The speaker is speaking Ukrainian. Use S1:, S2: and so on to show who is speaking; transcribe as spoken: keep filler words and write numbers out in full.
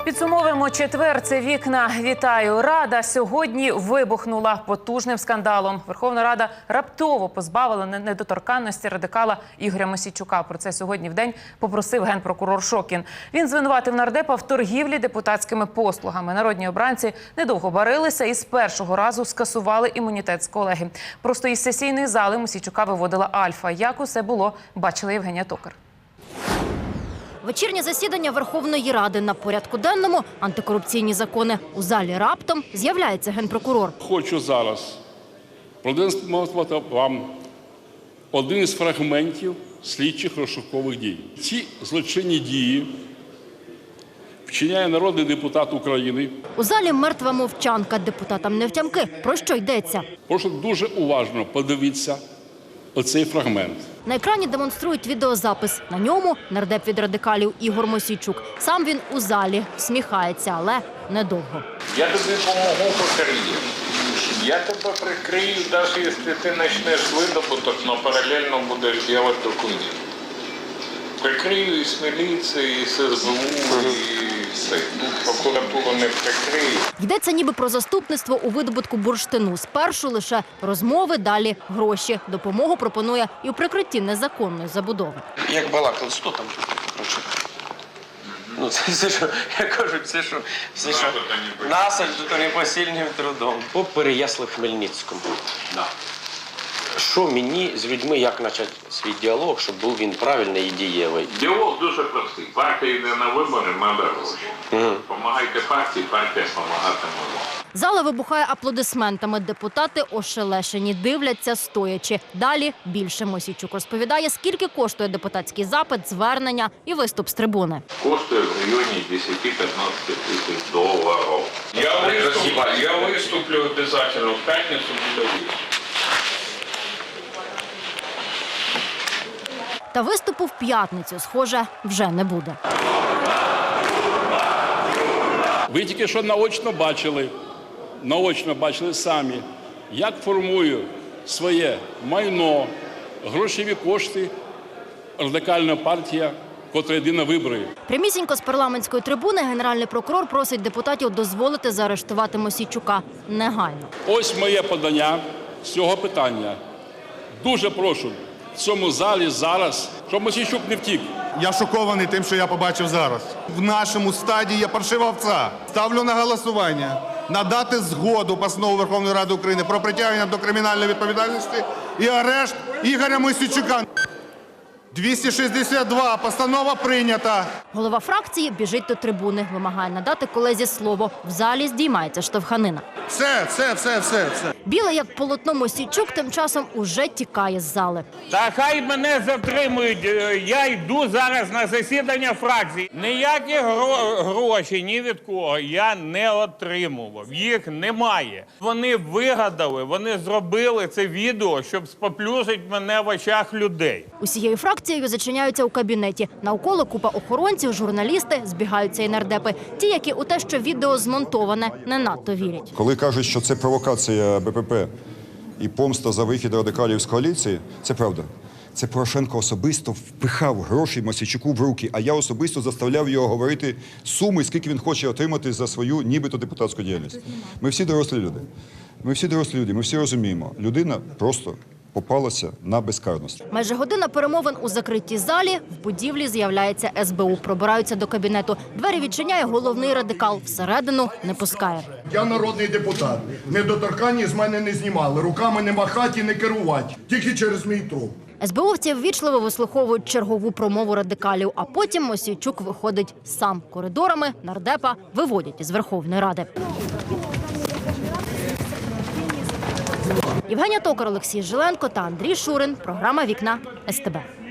S1: Підсумовуємо четвер. Це вікна. Вітаю. Рада сьогодні вибухнула потужним скандалом. Верховна Рада раптово позбавила недоторканності радикала Ігоря Мосійчука. Про це сьогодні вдень попросив генпрокурор Шокін. Він звинуватив нардепа в торгівлі депутатськими послугами. Народні обранці недовго барилися і з першого разу скасували імунітет з колеги. Просто із сесійної зали Мосійчука виводила Альфа. Як усе було, бачила Євгенія Токар.
S2: Вечірнє засідання Верховної Ради. На порядку денному антикорупційні закони. У залі раптом з'являється генпрокурор.
S3: Хочу зараз продемонструвати вам один із фрагментів слідчих розшукових дій. Ці злочинні дії вчиняє народний депутат України.
S2: У залі мертва мовчанка. Депутатам не втямки. Про що йдеться?
S3: Прошу дуже уважно подивитися оцей фрагмент.
S2: На екрані демонструють відеозапис. На ньому нардеп від радикалів Ігор Мосійчук. Сам він у залі, всміхається, але недовго.
S4: Я тобі допомогу по кар'єрі. Я тебе прикрию, навіть якщо ти почнеш видобуток, але паралельно будеш робити документи. Прикрию і з міліції, і з ес бе у, і все. Прокуратура не прикриє.
S2: Йдеться ніби про заступництво у видобутку бурштину. Спершу лише розмови, далі гроші. Допомогу пропонує і у прикритті незаконної забудови.
S5: Як балакали, що там? Ну, це все, що, я кажу, все, що, все, що насаджено то непосильним трудом. По Переяслав-Хмельницькому. Да. Що мені з людьми, як почати свій діалог, щоб був він правильний і дієвий?
S4: Діалог дуже простий. Партія йде на вибори, треба гроші. Угу. Помагайте партії, партія допомагатиме вам.
S2: Зала вибухає аплодисментами. Депутати ошелешені, дивляться стоячи. Далі більше. Мосійчук розповідає, скільки коштує депутатський запит, звернення і виступ з трибуни.
S4: Коштує в районі десять-п'ятнадцять тисяч доларів. Я виступлю, я виступлю обов'язково в п'ятницю буде виступ.
S2: Та виступу в п'ятницю, схоже, вже не буде.
S3: Ви тільки що наочно бачили, наочно бачили самі, як формує своє майно, грошові кошти радикальна партія, котра йде на вибори.
S2: Прямісінько з парламентської трибуни генеральний прокурор просить депутатів дозволити заарештувати Мосійчука негайно.
S3: Ось моє подання з цього питання. Дуже прошу в цьому залі зараз, щоб Мосійчук не втік.
S6: Я шокований тим, що я побачив зараз. В нашому стадії є паршива овця. Ставлю на голосування надати згоду постанову Верховної Ради України про притягнення до кримінальної відповідальності і арешт Ігоря Мосійчука. двісті шістдесят два. Постанова прийнята.
S2: Голова фракції біжить до трибуни, вимагає надати колезі слово. В залі здіймається штовханина.
S6: Все, все, все, все, все.
S2: Білий, як полотно, Мосійчук тим часом уже тікає з зали.
S7: Та хай мене затримують, я йду зараз на засідання фракції. Ніякі гро гроші ні від кого я не отримував, їх немає. Вони вигадали, вони зробили це відео, щоб споплюжити мене в очах людей.
S2: Усією фракцією зачиняються у кабінеті. Навколо купа охоронців, журналісти, збігаються і нардепи. Ті, які у те, що відео змонтоване, не надто вірять.
S8: Коли кажуть, що це провокація Бе Пе Пе і помста за вихід радикалів з коаліції, це правда. Це Порошенко особисто впихав гроші Мосійчуку в руки, а я особисто заставляв його говорити суми, скільки він хоче отримати за свою нібито депутатську діяльність. Ми всі дорослі люди. Ми всі дорослі люди, ми всі розуміємо. Людина просто попалася на безкарність.
S2: Майже година перемовин у закритій залі. В будівлі з'являється ес бе у. Пробираються до кабінету. Двері відчиняє головний радикал. Всередину не пускає.
S6: Я народний депутат. Недоторканні з мене не знімали. Руками не махати і не керувати. Тільки через мій труп.
S2: ес бе увівці ввічливо вислуховують чергову промову радикалів, а потім Мосійчук виходить сам. Коридорами нардепа виводять із Верховної Ради. Євгенія Токар, Олексій Жиленко та Андрій Шурин. Програма «Вікна» ес те бе.